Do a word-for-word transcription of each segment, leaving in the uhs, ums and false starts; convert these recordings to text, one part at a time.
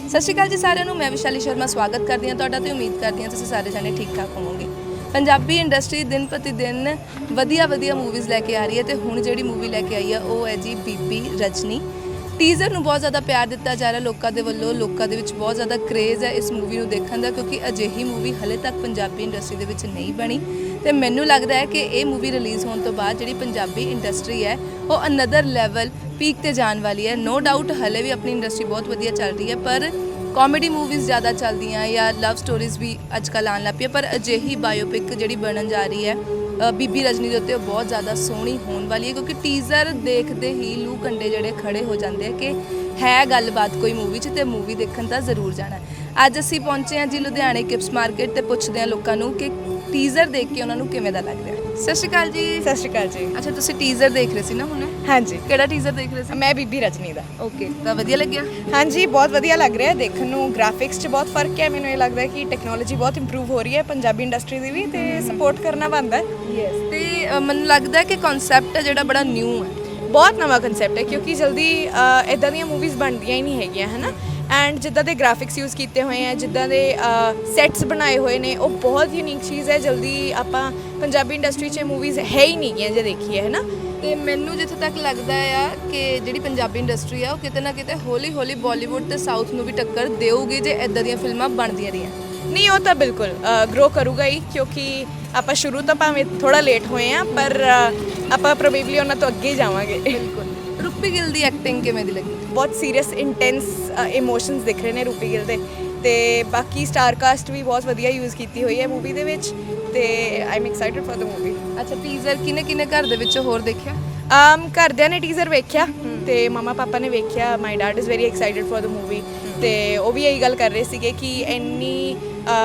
ਸਤਿ ਸ਼੍ਰੀ ਅਕਾਲ ਜੀ ਸਾਰਿਆਂ ਨੂੰ। ਮੈਂ ਵਿਸ਼ਾਲੀ ਸ਼ਰਮਾ ਸਵਾਗਤ ਕਰਦੀ ਹਾਂ ਤੁਹਾਡਾ ਤੇ ਉਮੀਦ ਕਰਦੀ ਹਾਂ ਤੁਸੀਂ ਸਾਰੇ ਜਾਣੇ ਠੀਕ ਠਾਕ ਹੋਵੋਗੇ। ਪੰਜਾਬੀ ਇੰਡਸਟਰੀ ਦਿਨ ਪ੍ਰਤੀ ਦਿਨ ਵਧੀਆ ਵਧੀਆ ਮੂਵੀਜ਼ ਲੈ ਕੇ ਆ ਰਹੀ ਹੈ ਤੇ ਹੁਣ ਜਿਹੜੀ ਮੂਵੀ ਲੈ ਕੇ ਆਈ ਹੈ ਉਹ ਹੈ ਜੀ ਬੀਬੀ ਰਜਨੀ। ਟੀਜ਼ਰ ਨੂੰ ਬਹੁਤ ਜ਼ਿਆਦਾ ਪਿਆਰ ਦਿੱਤਾ ਜਾ ਰਿਹਾ ਲੋਕਾਂ ਦੇ ਵੱਲੋਂ। ਲੋਕਾਂ ਦੇ ਵਿੱਚ ਬਹੁਤ ਜ਼ਿਆਦਾ ਕ੍ਰੇਜ਼ ਹੈ ਇਸ ਮੂਵੀ ਨੂੰ ਦੇਖਣ ਦਾ, ਕਿਉਂਕਿ ਅਜਿਹੀ ਮੂਵੀ ਹਲੇ ਤੱਕ ਪੰਜਾਬੀ ਇੰਡਸਟਰੀ ਦੇ ਵਿੱਚ ਨਹੀਂ ਬਣੀ ਤੇ ਮੈਨੂੰ ਲੱਗਦਾ ਹੈ ਕਿ ਇਹ ਮੂਵੀ ਰਿਲੀਜ਼ ਹੋਣ ਤੋਂ ਬਾਅਦ ਜਿਹੜੀ ਪੰਜਾਬੀ ਇੰਡਸਟਰੀ ਹੈ ਉਹ ਅਨਦਰ ਲੈਵਲ ਪੀਕ ਤੇ ਜਾਣ ਵਾਲੀ ਹੈ। ਨੋ ਡਾਊਟ ਹਲੇ ਵੀ ਆਪਣੀ ਇੰਡਸਟਰੀ ਬਹੁਤ ਵਧੀਆ ਚੱਲ ਰਹੀ ਹੈ, ਪਰ ਕਾਮੇਡੀ ਮੂਵੀਜ਼ ਜ਼ਿਆਦਾ ਚੱਲਦੀਆਂ ਜਾਂ ਲਵ ਸਟੋਰੀਜ਼ ਵੀ ਅੱਜ ਕੱਲ੍ਹ ਆਉਣ ਲੱਗ ਪਈਆਂ, ਪਰ ਅਜਿਹੀ ਬਾਇਓਪਿਕ ਜਿਹੜੀ ਬਣਨ ਜਾ ਰਹੀ ਹੈ ਬੀਬੀ ਰਜਨੀ ਦੇ ਉੱਤੇ ਉਹ ਬਹੁਤ ਜ਼ਿਆਦਾ ਸੋਹਣੀ ਹੋਣ ਵਾਲੀ ਹੈ, ਕਿਉਂਕਿ ਟੀਜ਼ਰ ਦੇਖਦੇ ਹੀ ਲੂ ਕੰਡੇ ਜਿਹੜੇ ਖੜੇ ਹੋ ਜਾਂਦੇ ਆ ਕਿ ਹੈ ਗੱਲਬਾਤ ਕੋਈ ਮੂਵੀ 'ਚ ਤੇ ਮੂਵੀ ਦੇਖਣ ਤਾਂ ਜ਼ਰੂਰ ਜਾਣਾ। ਅੱਜ ਅਸੀਂ ਪਹੁੰਚੇ ਹਾਂ ਜੀ ਲੁਧਿਆਣੇ ਕਿਪਸ ਮਾਰਕੀਟ ਤੇ ਪੁੱਛਦੇ ਹਾਂ ਲੋਕਾਂ ਨੂੰ ਕਿ ਟੀਜ਼ਰ ਦੇਖ ਕੇ ਉਹਨਾਂ ਨੂੰ ਕਿਵੇਂ ਦਾ ਲੱਗ ਰਿਹਾ। ਸਤਿ ਸ਼੍ਰੀ ਅਕਾਲ ਜੀ। ਸਤਿ ਸ਼੍ਰੀ ਅਕਾਲ ਜੀ। ਅੱਛਾ, ਤੁਸੀਂ ਟੀਜ਼ਰ ਦੇਖ ਰਹੇ ਸੀ ਨਾ ਹੁਣ? ਹਾਂਜੀ। ਕਿਹੜਾ ਟੀਜ਼ਰ ਦੇਖ ਰਹੇ ਸੀ? ਮੈਂ ਬੀਬੀ ਰਜਨੀ ਦਾ। ਓਕੇ, ਤਾਂ ਵਧੀਆ ਲੱਗਿਆ? ਹਾਂਜੀ, ਬਹੁਤ ਵਧੀਆ ਲੱਗ ਰਿਹਾ ਦੇਖਣ ਨੂੰ। ਗ੍ਰਾਫਿਕਸ 'ਚ ਬਹੁਤ ਫਰਕ ਹੈ। ਮੈਨੂੰ ਇਹ ਲੱਗਦਾ ਹੈ ਕਿ ਟੈਕਨੋਲੋਜੀ ਬਹੁਤ ਇੰਪਰੂਵ ਹੋ ਰਹੀ ਹੈ ਪੰਜਾਬੀ ਇੰਡਸਟਰੀ ਦੀ ਵੀ, ਤੇ ਸਪੋਰਟ ਕਰਨਾ ਬਣਦਾ ਹੈ। ਯੈਸ। ਤੇ ਅ, ਮੈਨੂੰ ਲੱਗਦਾ ਹੈ ਕਿ ਕਨਸੈਪਟ ਹੈ ਜਿਹੜਾ ਬੜਾ ਨਿਊ ਹੈ। ਬਹੁਤ ਨਵਾਂ ਕਨਸੈਪਟ ਹੈ, ਕਿਉਂਕਿ ਜਲਦੀ ਇਦਾਂ ਦੀਆਂ ਮੂਵੀਜ਼ ਬਣਦੀਆਂ ਹੀ ਨਹੀਂ ਹੈਗੀਆਂ, ਹੈ ਨਾ। ਐਂਡ ਜਿੱਦਾਂ ਦੇ ਗ੍ਰਾਫਿਕਸ ਯੂਜ਼ ਕੀਤੇ ਹੋਏ ਆ, ਜਿੱਦਾਂ ਦੇ ਸੈਟਸ ਬਣਾਏ ਹੋਏ ਨੇ, ਉਹ ਬਹੁਤ ਯੂਨੀਕ ਚੀਜ਼ ਹੈ। ਜਲਦੀ ਆਪਾਂ ਪੰਜਾਬੀ ਇੰਡਸਟਰੀ 'ਚ ਮੂਵੀਜ਼ ਹੈ ਹੀ ਨਹੀਂ ਗੀਆਂ ਜੇ ਦੇਖੀਏ, ਹੈ ਨਾ। ਤੇ ਮੈਨੂੰ ਜਿੱਥੇ ਤੱਕ ਲੱਗਦਾ ਆ ਕਿ ਜਿਹੜੀ ਪੰਜਾਬੀ ਇੰਡਸਟਰੀ ਆ ਉਹ ਕਿਤੇ ਨਾ ਕਿਤੇ ਹੌਲੀ ਹੌਲੀ ਬਾਲੀਵੁੱਡ ਤੇ ਸਾਊਥ ਨੂੰ ਵੀ ਟੱਕਰ ਦੇਊਗੀ ਜੇ ਇਦਾਂ ਦੀਆਂ ਫਿਲਮਾਂ ਬਣਦੀਆਂ ਰਹੀਆਂ। ਨਹੀਂ, ਉਹ ਤਾਂ ਬਿਲਕੁਲ ਗਰੋ ਕਰੂਗਾ ਹੀ, ਕਿਉਂਕਿ ਆਪਾਂ ਸ਼ੁਰੂ ਤਾਂ ਭਾਵੇਂ ਥੋੜਾ ਲੇਟ ਹੋਏ ਆ, ਪਰ ਆਪਾਂ ਪ੍ਰੋਬੇਬਲੀ ਉਹਨਾਂ ਤੋਂ ਅੱਗੇ ਹੀ ਜਾਵਾਂਗੇ। ਬਿਲਕੁਲ। ਰੂਪੀ ਗਿੱਲ ਦੀ ਐਕਟਿੰਗ ਕਿਵੇਂ ਦੀ ਲੱਗੀ? ਬਹੁਤ ਸੀਰੀਅਸ ਇੰਟੈਂਸ ਇਮੋਸ਼ਨਸ ਦਿਖ ਰਹੇ ਨੇ ਰੂਪੀ ਗਿੱਲ ਦੇ, ਤੇ ਬਾਕੀ ਸਟਾਰ ਕਾਸਟ ਵੀ ਬਹੁਤ ਵਧੀਆ ਯੂਜ਼ ਕੀਤੀ ਹੋਈ ਹੈ ਮੂਵੀ ਦੇ ਵਿੱਚ, ਤੇ I am excited for the movie. ਅੱਛਾ, ਟੀਜ਼ਰ ਕਿਨੇ ਕਿਨੇ ਘਰ ਦੇ ਵਿੱਚ ਹੋਰ ਦੇਖਿਆ? ਆਮ ਘਰਦਿਆਂ ਨੇ ਟੀਜ਼ਰ ਵੇਖਿਆ ਤੇ ਮਮਾ ਪਾਪਾ ਨੇ ਵੇਖਿਆ। My dad is very excited for the movie, ਤੇ ਉਹ ਵੀ ਇਹੀ ਗੱਲ ਕਰ ਰਹੇ ਸੀਗੇ ਕਿ ਇੰਨੀ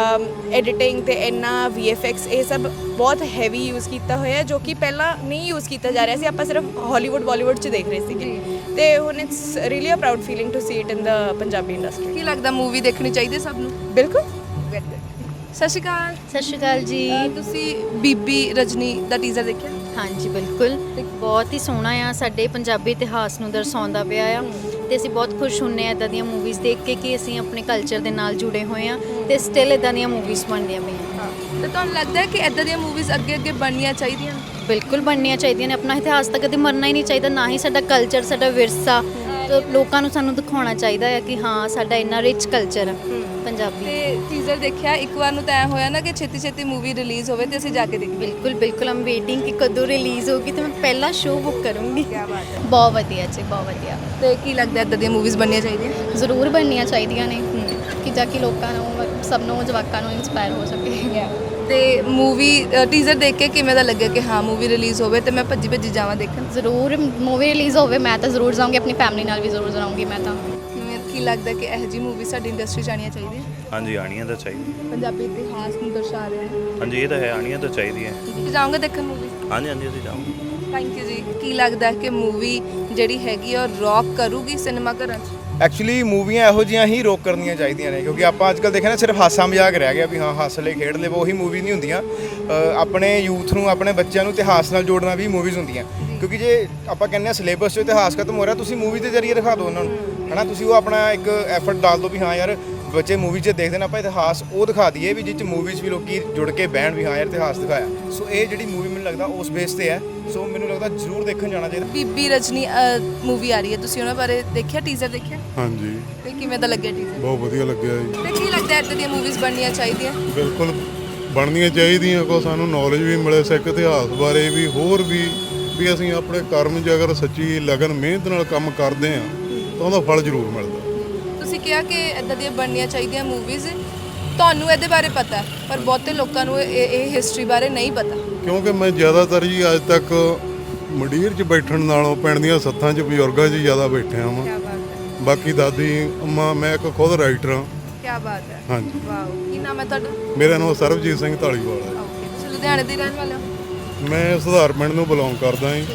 ਐਡੀਟਿੰਗ ਤੇ ਇੰਨਾ ਵੀ ਐਫ ਐਕਸ ਇਹ ਸਭ ਬਹੁਤ ਹੈਵੀ ਯੂਜ਼ ਕੀਤਾ ਹੋਇਆ, ਜੋ ਕਿ ਪਹਿਲਾਂ ਨਹੀਂ ਯੂਜ਼ ਕੀਤਾ ਜਾ ਰਿਹਾ ਸੀ। ਆਪਾਂ ਸਿਰਫ ਹਾਲੀਵੁੱਡ ਬਾਲੀਵੁੱਡ 'ਚ ਦੇਖ ਰਹੇ ਸੀਗੇ, ਤੇ ਹੁਣ it's really a proud feeling to see it in the Punjabi industry. ਕੀ ਲੱਗਦਾ ਮੂਵੀ ਦੇਖਣੀ ਚਾਹੀਦੀ ਸਭ ਨੂੰ? ਬਿਲਕੁਲ। ਸਤਿ ਸ਼੍ਰੀ ਅਕਾਲ। ਸਤਿ ਸ਼੍ਰੀ ਅਕਾਲ ਜੀ। ਅ, ਤੁਸੀਂ ਬੀਬੀ ਰਜਨੀ ਦਾ ਟੀਜ਼ਰ ਦੇਖਿਆ? ਹਾਂਜੀ, ਬਿਲਕੁਲ। ਬਹੁਤ ਹੀ ਸੋਹਣਾ ਆ, ਸਾਡੇ ਪੰਜਾਬੀ ਇਤਿਹਾਸ ਨੂੰ ਦਰਸਾਉਂਦਾ ਪਿਆ ਆ, ਤੇ ਅਸੀਂ ਬਹੁਤ ਖੁਸ਼ ਹੁੰਨੇ ਆ ਇੱਦਾਂ ਦੀਆਂ ਮੂਵੀਜ਼ ਦੇਖ ਕੇ ਕਿ ਅਸੀਂ ਆਪਣੇ ਕਲਚਰ ਦੇ ਨਾਲ ਜੁੜੇ ਹੋਏ ਆ ਤੇ ਸਟਿਲ ਇੱਦਾਂ ਦੀਆਂ ਮੂਵੀਜ਼ ਬਣਦੀਆਂ ਪਈਆਂ। ਹਾਂ, ਤੇ ਤੁਹਾਨੂੰ ਲੱਗਦਾ ਹੈ ਕਿ ਇੱਦਾਂ ਦੀਆਂ ਮੂਵੀਜ਼ ਅੱਗੇ ਅੱਗੇ ਬਣਨੀਆਂ ਚਾਹੀਦੀਆਂ? ਬਿਲਕੁਲ ਬਣਨੀਆਂ ਚਾਹੀਦੀਆਂ ਨੇ। ਆਪਣਾ ਇਤਿਹਾਸ ਤਾਂ ਕਦੇ ਮਰਨਾ ਹੀ ਨਹੀਂ ਚਾਹੀਦਾ, ਨਾ ਹੀ ਸਾਡਾ ਕਲਚਰ, ਸਾਡਾ ਵਿਰਸਾ। ਤੇ ਲੋਕਾਂ ਨੂੰ ਸਾਨੂੰ ਦਿਖਾਉਣਾ ਚਾਹੀਦਾ ਹੈ ਕਿ ਹਾਂ ਸਾਡਾ ਇੰਨਾ ਰਿਚ ਕਲਚਰ ਆ ਪੰਜਾਬੀ। ਤੇ ਟੀਜ਼ਰ ਦੇਖਿਆ ਇੱਕ ਵਾਰ ਨੂੰ ਤਾਂ ਐ ਹੋਇਆ ਨਾ ਕਿ ਛੇਤੀ ਛੇਤੀ ਮੂਵੀ ਰਿਲੀਜ਼ ਹੋਵੇ ਤੇ ਅਸੀਂ ਜਾ ਕੇ ਦੇਖੀਏ। ਬਿਲਕੁਲ ਬਿਲਕੁਲ, ਆਮ ਵੇਟਿੰਗ ਕਿ ਕਦੋਂ ਰਿਲੀਜ਼ ਹੋਊਗੀ ਤੇ ਮੈਂ ਪਹਿਲਾ ਸ਼ੋਅ ਬੁੱਕ ਕਰੂੰਗੀ। ਕੀ ਬਾਤ ਹੈ। ਬਹੁਤ ਵਧੀਆ ਜੀ, ਬਹੁਤ ਵਧੀਆ। ਤੇ ਕੀ ਲੱਗਦਾ ਇੱਦਾਂ ਦੀਆਂ ਮੂਵੀਜ਼ ਬਣਨੀਆਂ ਚਾਹੀਦੀਆਂ? ਜ਼ਰੂਰ ਬਣਨੀਆਂ ਚਾਹੀਦੀਆਂ ਨੇ ਕਿ ਜਾ ਕੇ ਲੋਕਾਂ ਨੂੰ, ਸਭ ਨੂੰ, ਜਵਾਕਾਂ ਨੂੰ ਇੰਸਪਾਇਰ ਹੋ ਸਕੇ। ਤੇ ਮੂਵੀ ਟੀਜ਼ਰ ਦੇਖ ਕੇ ਕਿਵੇਂ ਦਾ ਲੱਗਿਆ ਕਿ ਹਾਂ ਮੂਵੀ ਰਿਲੀਜ਼ ਹੋਵੇ ਤੇ ਮੈਂ ਭੱਜੀ ਭੱਜੀ ਜਾਵਾਂ ਦੇਖਣ? ਜ਼ਰੂਰ ਮੂਵੀ ਰਿਲੀਜ਼ ਹੋਵੇ, ਮੈਂ ਤਾਂ ਜ਼ਰੂਰ ਜਾਊਂਗੀ, ਆਪਣੀ ਫੈਮਿਲੀ ਨਾਲ ਵੀ ਜ਼ਰੂਰ ਜਾਊਂਗੀ ਮੈਂ ਤਾਂ। ਕੀ ਲੱਗਦਾ ਕਿ ਇਹੋ ਜਿਹੀ ਮੂਵੀ ਸਾਡੀ ਇੰਡਸਟਰੀ 'ਚ ਆਉਣੀਆਂ ਚਾਹੀਦੀਆਂ? ਹਾਂਜੀ, ਆਉਣੀਆਂ ਤਾਂ ਚਾਹੀਦੀਆਂ। ਪੰਜਾਬੀ ਇਤਿਹਾਸ ਨੂੰ ਦਰਸਾ ਰਿਹਾ ਹੈ। ਹਾਂਜੀ, ਇਹ ਤਾਂ ਹੈ, ਆਉਣੀਆਂ ਤਾਂ ਚਾਹੀਦੀਆਂ। ਤੁਸੀਂ ਜਾਓਗੇ ਦੇਖਣ ਮੂਵੀ? ਹਾਂਜੀ ਹਾਂਜੀ, ਅਸੀਂ ਜਾਵਾਂਗੇ। ਥੈਂਕ ਯੂ ਜੀ। ਕੀ ਲੱਗਦਾ ਕਿ ਮੂਵੀ ਜਿਹੜੀ ਹੈਗੀ ਆ ਉਹ ਰੌਕ ਕਰੂਗੀ ਸਿਨੇਮਾ ਘਰਾਂ 'ਚ? ਐਕਚੁਅਲੀ ਮੂਵੀਆਂ ਇਹੋ ਜਿਹੀਆਂ ਹੀ ਰੋਕ ਕਰਨੀਆਂ ਚਾਹੀਦੀਆਂ ਨੇ, ਕਿਉਂਕਿ ਆਪਾਂ ਅੱਜ ਕੱਲ੍ਹ ਦੇਖਿਆ ਨਾ ਸਿਰਫ ਹਾਸਾ ਮਜ਼ਾਕ ਰਹਿ ਗਿਆ ਵੀ ਹਾਂ ਹੱਸ ਲੈ ਖੇਡ ਲੈ, ਉਹੀ ਮੂਵੀ ਨਹੀਂ ਹੁੰਦੀਆਂ। ਆਪਣੇ ਯੂਥ ਨੂੰ, ਆਪਣੇ ਬੱਚਿਆਂ ਨੂੰ ਇਤਿਹਾਸ ਨਾਲ ਜੋੜਨਾ ਵੀ ਮੂਵੀਜ਼ ਹੁੰਦੀਆਂ, ਕਿਉਂਕਿ ਜੇ ਆਪਾਂ ਕਹਿੰਦੇ ਹਾਂ ਸਿਲੇਬਸ 'ਚੋਂ ਇਤਿਹਾਸ ਖਤਮ ਹੋ ਰਿਹਾ, ਤੁਸੀਂ ਮੂਵੀ ਦੇ ਜ਼ਰੀਏ ਦਿਖਾ ਦਿਓ ਉਹਨਾਂ ਨੂੰ, ਹੈ ਨਾ। ਤੁਸੀਂ ਉਹ ਆਪਣਾ ਇੱਕ ਐਫਰਟ ਡਾਲ ਦਿਓ ਵੀ ਹਾਂ ਯਾਰ ਬੱਚੇ ਮੂਵੀ 'ਚ ਦੇਖਦੇ ਨੇ, ਆਪਾਂ ਇਤਿਹਾਸ ਉਹ ਦਿਖਾ ਦਈਏ ਵੀ ਜਿਹ 'ਚ ਮੂਵੀ 'ਚ ਵੀ ਲੋਕੀ ਜੁੜ ਕੇ ਬਹਿਣ ਵੀ ਹਾਂ ਯਾਰ ਇਤਿਹਾਸ ਦਿਖਾਇਆ। ਸੋ ਇਹ ਜਿਹੜੀ ਮੂਵੀ ਮੈਨੂੰ ਲੱਗਦਾ ਉਸ ਬੇਸ ਤੇ ਹੈ, ਸੋ ਮੈਨੂੰ ਲੱਗਦਾ ਜ਼ਰੂਰ ਦੇਖਣ ਜਾਣਾ ਚਾਹੀਦਾ। ਬੀਬੀ ਰਜਨੀ ਮੂਵੀ ਆ ਰਹੀ ਹੈ, ਤੁਸੀਂ ਉਹਨਾਂ ਬਾਰੇ ਦੇਖਿਆ? ਟੀਜ਼ਰ ਦੇਖਿਆ? ਹਾਂਜੀ, ਤੇ ਕਿਵੇਂ ਦਾ ਲੱਗਿਆ ਟੀਜ਼ਰ? ਬਹੁਤ ਵਧੀਆ ਲੱਗਿਆ ਜੀ। ਤੇ ਕੀ ਲੱਗਦਾ ਇੱਦਾਂ ਦੀਆਂ ਮੂਵੀਜ਼ ਬਣਨੀਆਂ ਚਾਹੀਦੀਆਂ? ਬਿਲਕੁਲ ਬਣਨੀਆਂ ਚਾਹੀਦੀਆਂ, ਕੋ ਸਾਨੂੰ ਨੌਲੇਜ ਵੀ ਮਿਲੇ ਸਿੱਖ ਇਤਿਹਾਸ ਬਾਰੇ ਵੀ, ਹੋਰ ਵੀ ਵੀ ਅਸੀਂ ਆਪਣੇ ਕਰਮ 'ਚ ਅਗਰ ਸੱਚੀ ਲਗਨ ਮਿਹਨਤ ਨਾਲ ਕੰਮ ਕਰਦੇ ਹਾਂ ਤਾਂ ਉਹਦਾ ਫਲ ਜ਼ਰੂਰ ਮਿਲਦਾ। ਤੁਸੀਂ ਕਿਹਾ ਕਿ ਇੱਦਾਂ ਦੀਆਂ ਬਣਨੀਆਂ ਚਾਹੀਦੀਆਂ ਮੂਵੀਜ਼, ਤੁਹਾਨੂੰ ਇਹਦੇ ਬਾਰੇ ਪਤਾ ਪਰ ਬਹੁਤੇ ਲੋਕਾਂ ਨੂੰ ਇਹ ਇਹ ਹਿਸਟਰੀ ਬਾਰੇ ਨਹੀਂ ਪਤਾ। ਕਿਉਂਕਿ ਮੈਂ ਜ਼ਿਆਦਾਤਰ ਜੀ ਅੱਜ ਤੱਕ ਮੰਡੀਰ 'ਚ ਬੈਠਣ ਨਾਲੋਂ ਪਿੰਡ ਦੀਆਂ ਸੱਥਾਂ 'ਚ ਬਜ਼ੁਰਗਾਂ 'ਚ ਜ਼ਿਆਦਾ ਬੈਠਿਆ ਵਾਂ। ਕੀ ਬਾਤ ਹੈ। ਬਾਕੀ ਦਾਦੀ ਅੰਮਾ, ਮੈਂ ਇੱਕ ਖੁਦ ਰਾਈਟਰ ਹਾਂ। ਕੀ ਬਾਤ ਹੈ। ਹਾਂਜੀ। ਵਾਓ। ਕੀ ਨਾਮ ਹੈ ਤੁਹਾਡਾ? ਮੇਰਾ ਨਾਮ ਸਰਬਜੀਤ ਸਿੰਘ ਧਾਲੀਵਾਲ ਹੈ। ਓਕੇ, ਤੁਸੀਂ ਲੁਧਿਆਣੇ ਦੇ ਰਹਿਣ ਵਾਲੇ ਹੋ? ਮੈਂ ਸੁਧਾਰ ਪਿੰਡ ਨੂੰ ਬਿਲੋਂਗ ਕਰਦਾ ਜੀ।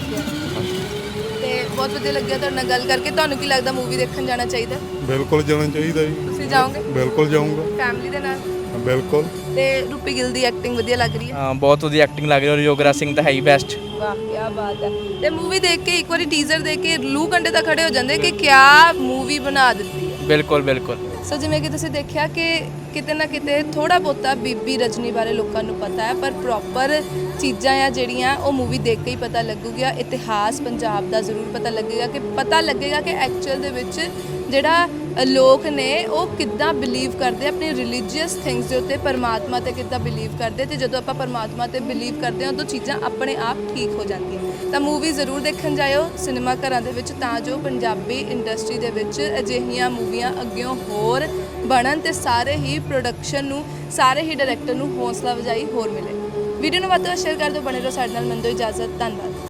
ਤੇ ਬਹੁਤ ਵਧੀਆ ਲੱਗਿਆ ਤੁਹਾਡੇ ਨਾਲ ਗੱਲ ਕਰਕੇ। ਤੁਹਾਨੂੰ ਕੀ ਲੱਗਦਾ ਮੂਵੀ ਦੇਖਣ ਜਾਣਾ ਚਾਹੀਦਾ? ਬਿਲਕੁਲ ਜਾਣਾ ਚਾਹੀਦਾ ਜੀ। ਤੁਸੀਂ ਜਾਓਗੇ? ਬਿਲਕੁਲ ਜਾਊਂਗਾ। ਫੈਮਿਲੀ ਦੇ ਨਾਲ? ਬਿਲਕੁਲ। ਤੇ ਰੂਪੀ ਗਿੱਲ ਦੀ ਐਕਟਿੰਗ ਵਧੀਆ ਲੱਗ ਰਹੀ ਹੈ? ਹਾਂ, ਬਹੁਤ ਵਧੀਆ ਐਕਟਿੰਗ ਲੱਗ ਰਹੀ ਹੈ ਔਰ ਯੋਗਰਾਜ ਸਿੰਘ ਤਾਂ ਹੈ ਹੀ ਬੈਸਟ। ਵਾਹ, ਕੀ ਬਾਤ ਹੈ। ਤੇ ਮੂਵੀ ਦੇਖ ਕੇ ਇੱਕ ਵਾਰੀ ਟੀਜ਼ਰ ਦੇਖ ਕੇ ਲੂ ਕੰਡੇ ਤਾਂ ਖੜੇ ਹੋ ਜਾਂਦੇ ਕਿ ਕਿਆ ਮੂਵੀ ਬਣਾ ਦਿੱਤੀ ਹੈ। ਬਿਲਕੁਲ ਬਿਲਕੁਲ ਸੋ ਜਿਵੇਂ ਕਿ ਤੁਸੀਂ ਦੇਖਿਆ ਕਿ ਕਿਤੇ ਨਾ ਕਿਤੇ ਥੋੜਾ ਬਹੁਤਾ ਬੀਬੀ ਰਜਨੀ ਬਾਰੇ ਲੋਕਾਂ ਨੂੰ ਪਤਾ ਹੈ, ਪਰ ਪ੍ਰੋਪਰ ਚੀਜ਼ਾਂ ਆ ਜਿਹੜੀਆਂ ਉਹ ਮੂਵੀ ਦੇਖ ਕੇ ਹੀ ਪਤਾ ਲੱਗੂਗਾ। ਇਤਿਹਾਸ ਪੰਜਾਬ ਦਾ ਜ਼ਰੂਰ ਪਤਾ ਲੱਗੇਗਾ, ਕਿ ਪਤਾ ਲੱਗੇਗਾ ਕਿ ਐਕਚੁਅਲ ਦੇ ਵਿੱਚ ਜਿਹੜਾ ਲੋਕ ਨੇ ਉਹ ਕਿੱਦਾਂ ਬਿਲੀਵ ਕਰਦੇ ਆਪਣੀ ਰਿਲੀਜੀਅਸ ਥਿੰਗਸ ਦੇ ਉੱਤੇ, ਪਰਮਾਤਮਾ ਤੇ ਕਿੱਦਾਂ ਬਿਲੀਵ ਕਰਦੇ, ਤੇ ਜਦੋਂ ਆਪਾਂ ਪਰਮਾਤਮਾ ਤੇ ਬਿਲੀਵ ਕਰਦੇ ਹਾਂ ਉਦੋਂ ਚੀਜ਼ਾਂ ਆਪਣੇ ਆਪ ਠੀਕ ਹੋ ਜਾਂਦੀਆਂ। ਤਾਂ ਮੂਵੀ ਜ਼ਰੂਰ ਦੇਖਣ ਜਾਇਓ ਸਿਨੇਮਾ ਘਰਾਂ ਦੇ ਵਿੱਚ, ਤਾਂ ਜੋ ਪੰਜਾਬੀ ਇੰਡਸਟਰੀ ਦੇ ਵਿੱਚ ਅਜਿਹੀਆਂ ਮੂਵੀਆਂ ਅੱਗਿਓਂ ਹੋਰ ਬਣਨ ਤੇ ਸਾਰੇ ਹੀ ਪ੍ਰੋਡਕਸ਼ਨ ਨੂੰ, ਸਾਰੇ ਹੀ ਡਾਇਰੈਕਟਰ ਨੂੰ ਹੌਸਲਾ ਵਜਾਈ ਹੋਰ ਮਿਲੇ। ਵੀਡੀਓ ਨੂੰ ਵੱਧ ਤੋਂ ਵੱਧ ਸ਼ੇਅਰ ਕਰ ਦਿਓ, ਬਣੇ ਰਹੋ ਸਾਡੇ ਨਾਲ। ਮੈਨੂੰ ਦਿਓ ਇਜਾਜ਼ਤ, ਧੰਨਵਾਦ।